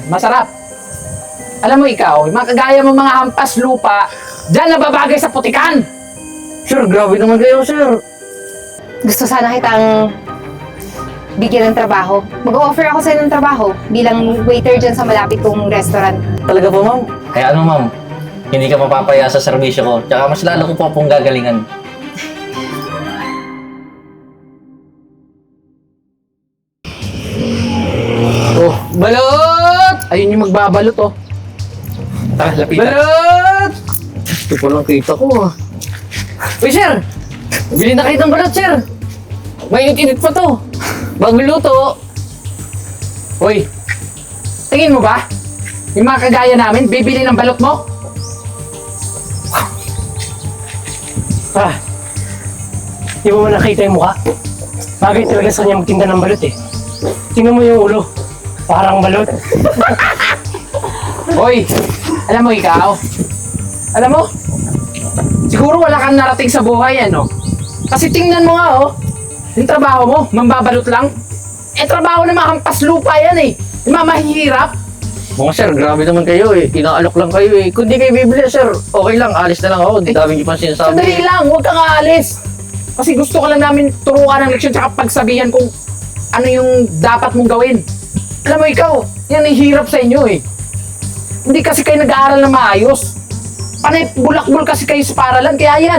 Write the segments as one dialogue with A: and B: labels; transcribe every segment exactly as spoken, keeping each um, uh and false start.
A: masarap. Alam mo ikaw, yung mga kagaya mo mga hampas lupa, dyan nababagay sa putikan.
B: Sir, grabe naman kayo, sir.
C: Gusto sana kitang bigyan ng trabaho. Mag-offer ako sa'yo ng trabaho bilang waiter dyan sa malapit kong restaurant.
B: Talaga po, ma'am?
D: Kaya ano ma'am, hindi ka mapapaya sa serbisyo ko. Tsaka mas lalo ko po pong gagalingan.
A: Oh, balot! Ayun yung magbabalot, oh.
D: Tara, lapitan.
A: Balot!
B: Ito pa lang kita ko, ah.
A: Uy, sir! Bili na kayo ng balot, sir! May init pa to. Bagong luto. Uy, tingin mo ba? Yung mga kagaya namin, bibili ng balot mo?
E: Ah, di mo man nakita yung mukha? Bagay talaga sa kanya magtinda ng balot eh. Tingnan mo yung ulo. Parang balot.
A: Uy, alam mo ikaw? Alam mo? Siguro wala kang narating sa buhay, ano? Kasi tingnan mo nga, oh. Yung trabaho mo, mambabalot lang. Eh, trabaho na makampas lupa yan, eh. Yung mga mahihirap.
B: Mga sir, grabe naman kayo, eh. Inaalok lang kayo, eh. Kung di kayo bibili, sir, okay lang. Alis na lang ako. Ang dami niyo pang sinasabi.
A: Sandali lang, huwag kang aalis. Kasi gusto ko lang namin turuan ng leksyon tsaka pagsabihan kung ano yung dapat mong gawin. Alam mo ikaw, yan ang hirap sa inyo eh. Hindi kasi kayo nag-aaral na maayos. Panay bulak-bul kasi kayo sa paralan, kaya yan.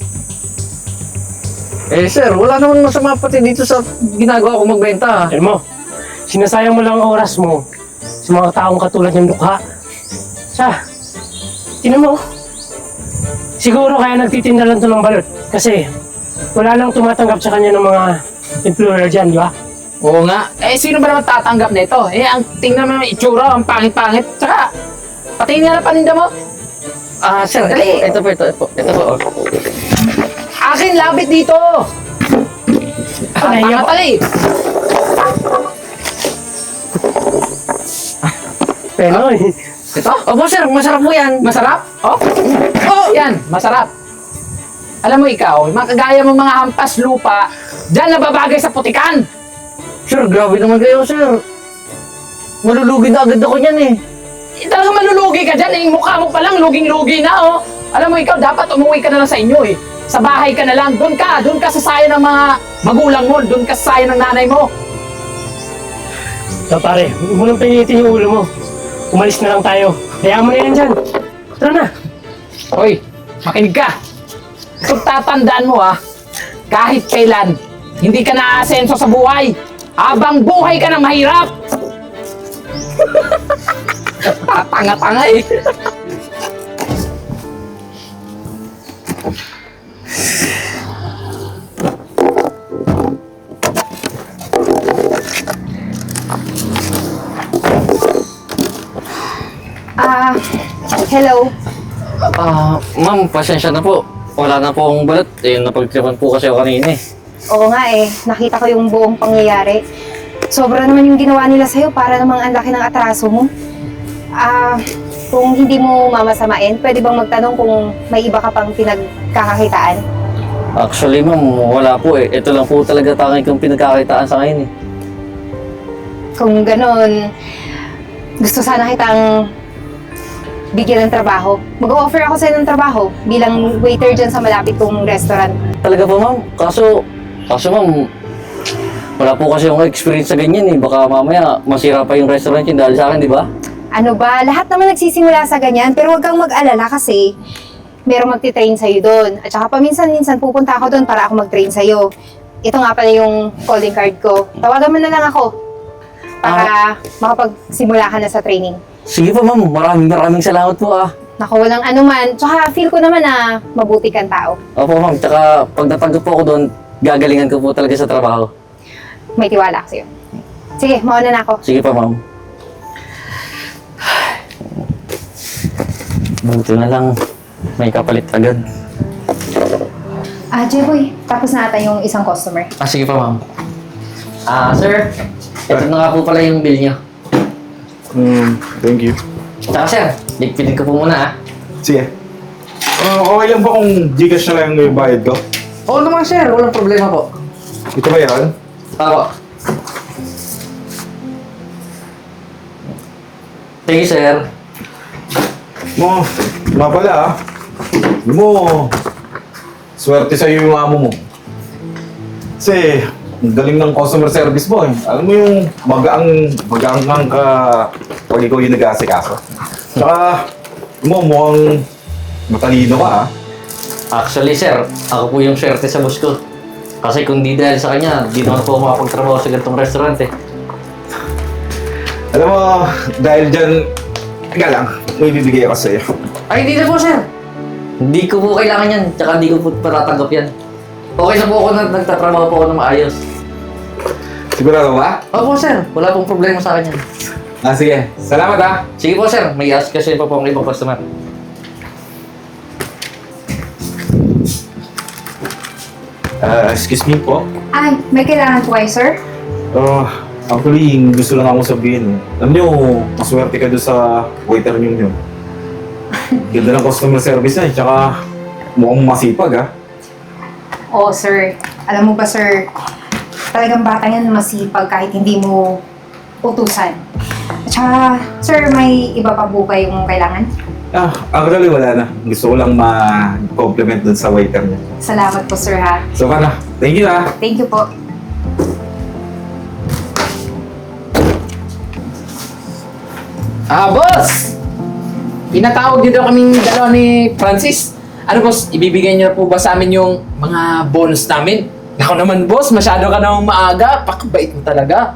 B: Eh, sir, wala naman masama pati dito sa ginagawa ko magbenta.
E: Alam mo, sinasayang mo lang ang oras mo sa mga taong katulad ng dukha. Sa, tinan mo. Siguro kaya nagtitinda lang to ng balot. Kasi wala lang tumatanggap sa kanya ng mga employer dyan, di ba?
A: Oo nga. Eh, sino ba naman tatanggap nito? Eh, ang tingnan mo yung itsura, ang pangit-pangit. Tsaka, pati nga na paninda mo.
B: Ah, sir,
A: Dali.
B: ito, ito po, ito po. Ito po.
A: Akin, labit dito! Ah,
E: Ay,
A: tanga
E: ako.
A: pala eh.
E: Pero,
A: Ito?
B: Opo, sir, masarap po yan.
A: Masarap? Oh? Oh, yan, masarap. Alam mo ikaw, yung mga kagaya mo mga hampas lupa, dyan nababagay sa putikan.
B: Sir, grabe naman kayo, sir. Malulugi na agad ako niyan, eh.
A: Eh, talagang malulugi ka dyan, eh. Yung mukha mo pa lang, luging-lugi na, oh. Alam mo ikaw, dapat umuwi ka na lang sa inyo, eh. Sa bahay ka na lang, doon ka, doon ka sa sayo ng mga magulang mo, doon ka sa sayo ng nanay mo.
E: so, pare, huwag mo nang pinitin yung ulo mo. Umalis na lang tayo. Hayaan mo na yan dyan. Tara na.
A: Hoy, makinig ka. Kung tatandaan mo, ha, kahit kailan, hindi ka na-asenso sa buhay. Habang buhay ka ng mahirap. Tanga-tanga eh.
C: Ah, hello.
B: Ah, ma'am, pasensya na po. Wala na po akong balot. Eh, napagtripan po kasi ako kanina, eh.
C: Oo nga eh, nakita ko yung buong pangyayari. Sobra naman yung ginawa nila sa'yo para namang ang laki ng atraso mo. Ah, kung hindi mo mamasamain, pwede bang magtanong kung may iba ka pang pinagkakakitaan?
B: Actually, ma'am, wala po, eh. Ito lang po talaga tanging kong pinagkakitaan sa ngayon, eh.
C: Kung ganon, gusto sana kitang bigyan ng trabaho. Mag-offer ako sa'yo ng trabaho bilang waiter dyan sa malapit kong restaurant.
B: Talaga po, ma'am. Kaso, kaso, ma'am, wala po kasi yung experience sa ganyan, eh. Baka mamaya masira pa yung restaurant yun dahil sa akin, di ba?
C: Ano ba, lahat naman nagsisimula sa ganyan, pero huwag kang mag-alala kasi merong magti-train sa'yo doon. At saka paminsan-minsan pupunta ako doon para ako mag-train sa'yo. Ito nga pala yung calling card ko. Tawagan mo na lang ako para makapagsimula ka na sa training.
B: Sige po, ma'am. Maraming maraming salamat po, ah.
C: Naku, walang anuman. Tsaka feel ko naman na mabuti kang tao.
B: Opo, ma'am. Tsaka pag natanggap po ako doon, gagalingan ko po talaga sa trabaho.
C: May tiwala ako sa'yo. Sige, mauna na ako.
B: Sige pa, ma'am. Buti na lang. May kapalit agad.
C: Ah, Jeboy, tapos na ata yung isang customer.
B: Ah, sige pa, ma'am. Ah, sir. Ito na nga po pala yung bill niyo.
F: Hmm, thank you.
B: Tsaka, sir. Ligpitin ko po muna, ah.
F: Sige. Uh, okay lang ba kung Gcash na lang yung bayad ko?
B: Oo naman, sir. Walang problema po.
F: Ito ba yan?
B: Ako. Thank you, sir.
F: Mo, nga pala ah. Alam mo, swerte sa'yo yung amo mo. Kasi, ang galing ng customer service mo eh. Alam mo yung magaang, magaang ka pag ikaw yung nag-aasikaso. Tsaka, mo, mukhang matalino ka ah.
B: Actually, sir, ako po yung swerte sa boss ko. Kasi kung di dahil sa kanya, di naman po makapagtrabaho sa ganitong restaurant eh.
F: Alam mo, dahil dyan, teka lang, may bibigay ako sa'yo.
B: Ay, hindi na po, sir. Hindi ko po kailangan yan, tsaka hindi ko po patatanggap yan. Okay na po ako na nagtatrabaho po ako na maayos.
F: Sigurado ba?
B: Opo, sir. Wala pong problema sa akin yan.
F: Ah, sige. Salamat ah.
B: Sige po, sir. May ask kasi pa po ang ibang customer.
F: Ah, excuse me po.
C: Ay, may kailangan po kayo, sir?
F: Oh, actually, gusto lang ako sabihin. Alam niyo, maswerte ka doon sa waiter niyo yun. Ganda ng customer service na eh, tsaka mukhang masipag ah.
C: Oo, sir. Alam mo ba, sir, talagang bata yan masipag kahit hindi mo utusan. At saka, sir, may iba pa po ba yung kailangan?
F: Ah, actually wala na. Gusto ko lang ma-compliment doon sa waiter niya.
C: Salamat po, sir, ha?
F: So, kana. Thank you ah.
C: Thank you po.
A: Ah, boss! Pinatawag dito kaming dalawa ni Francis. Ano, boss? Ibibigay niyo na po ba sa amin yung mga bonus namin? Ako naman, boss. Masyado ka namang maaga. Pakabait mo talaga.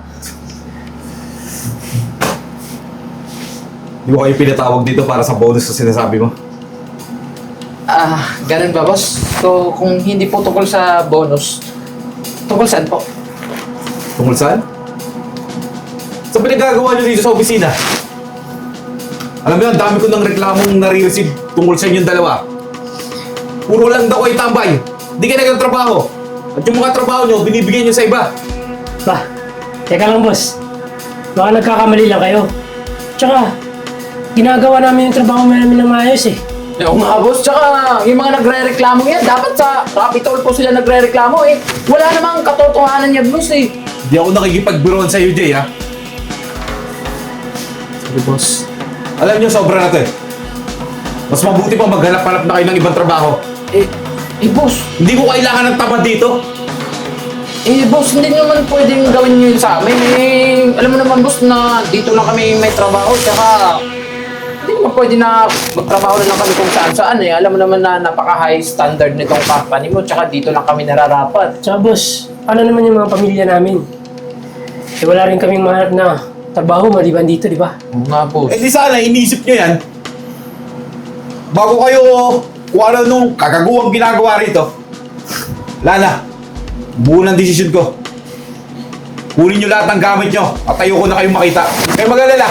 F: Di ba kayo pinatawag dito para sa bonus na sinasabi mo?
A: Ah, ganun ba, boss? So, kung hindi po tungkol sa bonus, tungkol saan po?
F: Tungkol saan? Sa pinagagawa niyo dito sa opisina? Alam mo yan, dami ko ng reklamong nare-receive tungkol sa inyong dalawa. Puro lang daw kayo tambay. Di kayo nagtatrabaho. At yung mga trabaho nyo, binibigyan nyo sa iba.
E: Ba, teka lang boss. Baka nagkakamali lang kayo. Tsaka, ginagawa namin yung trabaho namin ng maayos eh.
A: Eh, oo nga, boss. Tsaka, yung mga nagre-reklamo yan, dapat sa Rapitol po sila nagre-reklamo eh. Wala namang katotohanan yan, boss eh.
F: Di ako nakikipagbiroan sa iyo, Jay, ha?
A: Sige, boss.
F: Alam nyo, sobra na to eh. Mas mabuti pa maghanap-hanap na kayo ng ibang trabaho.
A: Eh, eh, boss.
F: Hindi ko kailangan ng tamad dito.
A: Eh, boss, hindi naman pwedeng gawin nyo yun sa amin. Eh, alam mo naman, boss, na dito lang kami may trabaho. Tsaka, hindi naman pwede na magtrabaho na lang kami kung saan-saan eh. Alam mo naman na napaka-high standard nitong company mo. Tsaka dito lang kami nararapat.
E: Tsaka boss, ano naman yung mga pamilya namin? Eh wala rin kaming mahanap na trabaho maliban dito, di ba?
A: Oo nga, boss.
F: Eh di sana, iniisip nyo yan. Bago kayo kung ano nung kagaguhang ginagawa rito. Lana, buo ng desisyon ko. Kunin nyo lahat ng gamit nyo at ayoko na kayong makita. Kaya mag-alala.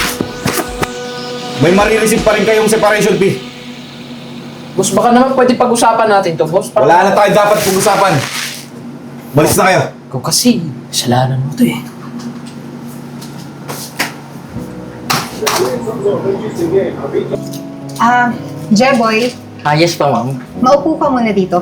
F: May marireceive pa rin kayong separation fee.
A: Boss, baka naman pwede pag-usapan natin to, boss. Para-
F: Wala na tayo dapat pag-usapan. Balis na kayo.
A: Ikaw kasi, kasalanan mo to eh.
C: Ah, Jeboy,
B: Ah, yes pa, ma'am.
C: maupo ka muna dito.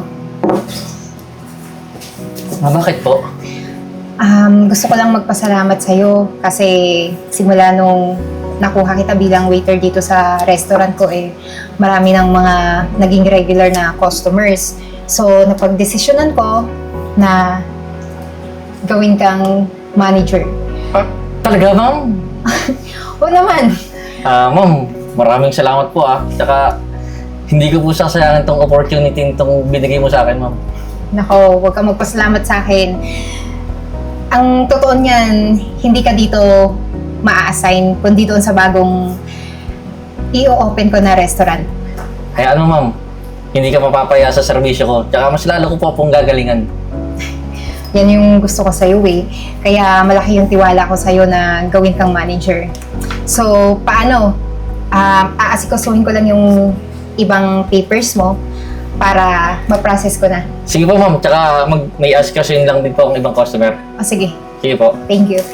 B: Ah, bakit po?
C: Um, gusto ko lang magpasalamat sa'yo kasi simula nung nakuha kita bilang waiter dito sa restaurant ko eh, marami ng mga naging regular na customers. So, napagdesisyonan ko na gawin kang manager.
B: Ah, talaga, ma'am?
C: O naman,
B: Ah, ma'am, maraming salamat po ah. Tsaka, hindi ko po sasayangin tong opportunity itong binigay mo sa akin, ma'am.
C: nako, huwag kang magpasalamat sa akin. Ang totoo niyan, hindi ka dito maa-assign, kundi doon sa bagong i-open ko na restaurant.
B: Kaya ano, ma'am, hindi ka mapapaya sa serbisyo ko. Tsaka mas lalo ko po pong gagalingan.
C: Yan yung gusto ko sa'yo eh. Kaya malaki yung tiwala ko sa'yo na gawin kang manager. So, paano? Um, aasikasuhin ko lang yung ibang papers mo para ma-process ko na.
B: Sige po, ma'am. Tsaka mag, may ask kasi lang din po ang ibang customer.
C: O sige,
B: Sige po.
C: thank you.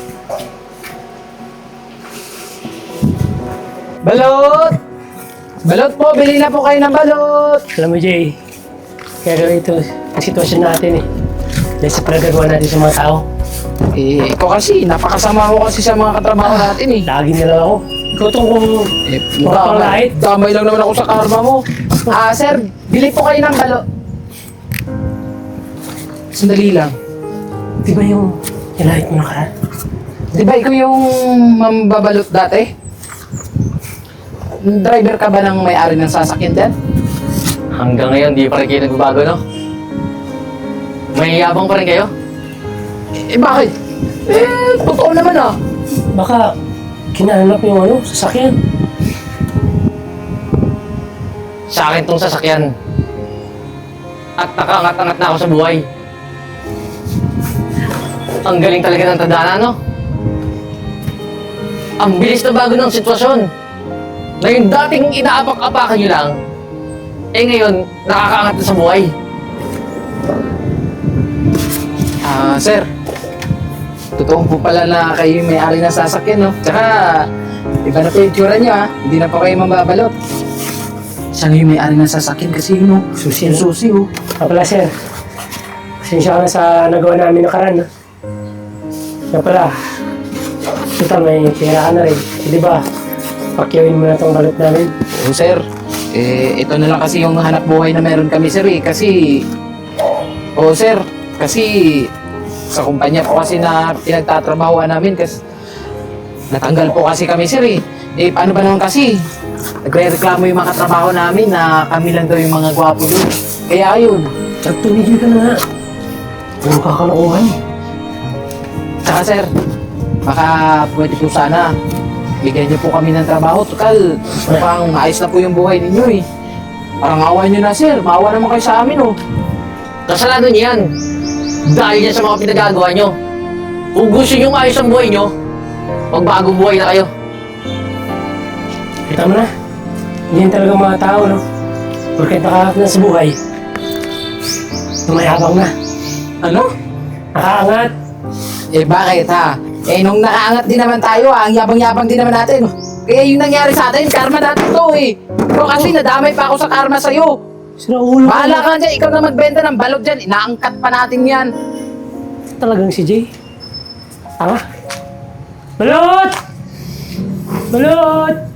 A: Balot! Balot po, bili na po kayo ng balot!
E: Alam mo Jay, kaya ito ang sitwasyon natin eh. Dahil sa pinagagawa natin sa mga tao.
A: Eh, ikaw kasi, napakasama mo kasi sa mga katrabaho natin eh.
E: Lagi nila ako. Ikaw tong kung
A: Eh,
E: Makakalait?
A: damay lang naman ako sa karma mo. Ah, sir, bili po kayo ng balo. Sandali lang.
E: di ba yung nilahit mo nakaraan?
A: Di ba ikaw yung mambabalot dati? Driver ka ba ng may-ari ng sasakyan dyan?
B: Hanggang ngayon, di pa rin kayo nagbabago, no? May yabang pa rin kayo?
A: Eh, bakit? Eh, totoo naman ah.
E: Baka kinanap yung ano, sasakyan.
B: Sa akin tong sasakyan. At nakaangat-angat na ako sa buhay. Ang galing talaga ng tadhana, no? Ang bilis na bago ng sitwasyon. Na yung dating inaapak-apakan nyo lang, eh ngayon, nakakaangat na sa buhay.
A: Ah, sir. Totoo po pala na kayo yung may-ari ng sasakyan, no? Tsaka, iba na po yung tsura niyo, ha? Hindi na po kayo mambabalot. Siya yung may-ari ng sasakyan kasi yun, no?
E: Susi,
A: Yung
E: no?
A: susi, oh.
E: Ah, pala, sir. Pasensya ka na sa nagawa namin nakaraan, ha? Nga pala, ito may pera ka na rin. Eh, di ba, pakyawin mo na tong balot namin.
A: Oo, sir. Eh, ito na lang kasi yung hanap buhay na meron kami, sir, eh. Kasi, oo, sir. Kasi, sa kumpanya po kasi na pinagtatrabahoan namin kasi natanggal po kasi kami, sir, eh. Eh, paano ba naman kasi? Nagre-reklamo yung mga katrabaho namin na kami lang daw yung mga gwapo doon. Kaya ayun.
E: At tumigil ka na nga. Puro kakalokohan.
A: Saka, sir, baka pwede po sana bigyan niyo po kami ng trabaho. Tukal, mukhang ayos na po yung buhay ninyo, eh. Parang awa niyo na, sir. Maawa naman kayo sa amin, oh.
B: Kasalanan niyo yan. Dahil yan sa mga pinagagawa nyo. Kung gusto nyo maayos ang buhay nyo, magbagong buhay na kayo.
E: Kita mo na. Yan talaga mga tao, no? Porket nakaangat na sa buhay. Tumayabang na.
A: Ano?
E: Nakaangat.
A: Eh bakit ha? Eh nung nakaangat din naman tayo ha, ang yabang-yabang din naman natin. Kaya yung nangyari sa atin, karma natin to eh. Pero kasi nadamay pa ako sa karma sa'yo.
E: Sira ulo ka
A: Bahala
E: na.
A: ka dyan, ikaw na magbenta ng balot dyan. Inaangkat pa natin yan.
E: Talagang si Jay. Tanga. Balot! Balot!